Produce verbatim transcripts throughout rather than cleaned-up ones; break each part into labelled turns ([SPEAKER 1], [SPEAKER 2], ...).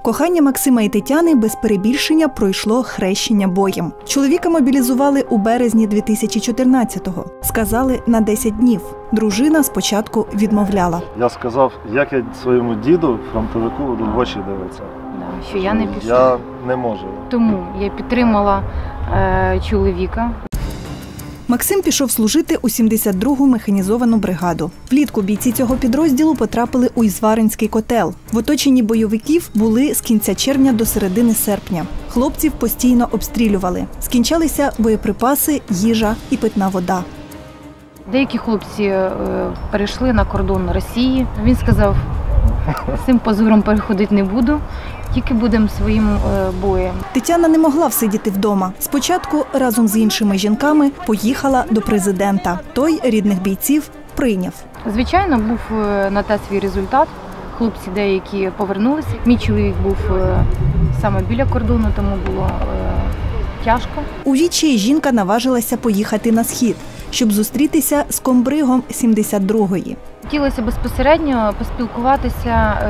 [SPEAKER 1] Кохання Максима і Тетяни без перебільшення пройшло хрещення боєм. Чоловіка мобілізували у березні дві тисячі чотирнадцятого. Сказали на десять днів. Дружина спочатку відмовляла.
[SPEAKER 2] Я сказав, як я своєму діду, фронтовику, буду в очі дивитися.
[SPEAKER 3] Да, що я не пішов.
[SPEAKER 2] Я не можу.
[SPEAKER 3] Тому я підтримала е, чоловіка.
[SPEAKER 1] Максим пішов служити у сімдесят другу механізовану бригаду. Влітку бійці цього підрозділу потрапили у Ізваринський котел. В оточенні бойовиків були з кінця червня до середини серпня. Хлопців постійно обстрілювали. Скінчалися боєприпаси, їжа і питна вода.
[SPEAKER 3] Деякі хлопці е, перейшли на кордон Росії. Він сказав, з цим позором переходити не буду, тільки будемо своїм е, боєм.
[SPEAKER 1] Тетяна не могла всидіти вдома. Спочатку разом з іншими жінками поїхала до президента. Той рідних бійців прийняв.
[SPEAKER 3] Звичайно, був е, на те свій результат. Хлопці деякі повернулися. Мій чоловік був е, саме біля кордону, тому було е, тяжко.
[SPEAKER 1] У відчаї жінка наважилася поїхати на схід, щоб зустрітися з комбригом сімдесят другої.
[SPEAKER 3] Хотілося безпосередньо поспілкуватися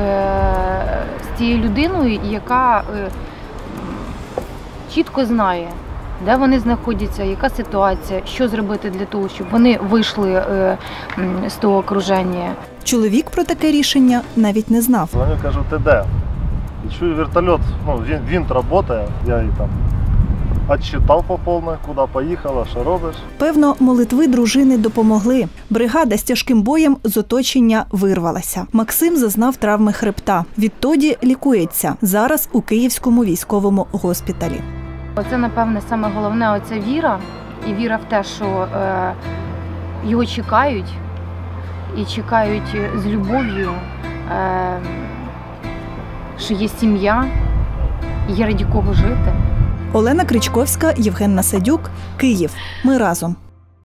[SPEAKER 3] е, з тією людиною, яка е, чітко знає, де вони знаходяться, яка ситуація, що зробити для того, щоб вони вийшли е, з того окруження.
[SPEAKER 1] Чоловік про таке рішення навіть не знав.
[SPEAKER 2] Дзвоню, кажу, ти де? І чую вертольот, ну, він, він працює, я її там відчитав по повній, куди поїхала, що робиш.
[SPEAKER 1] Певно, молитви дружини допомогли. Бригада з тяжким боєм з оточення вирвалася. Максим зазнав травми хребта. Відтоді лікується. Зараз у Київському військовому госпіталі.
[SPEAKER 3] Оце, напевне, саме головне – оця віра. І віра в те, що е, його чекають. І чекають з любов'ю, е, що є сім'я, є раді кого жити.
[SPEAKER 1] Олена Кричковська, Євген Насадюк, Київ. Ми разом.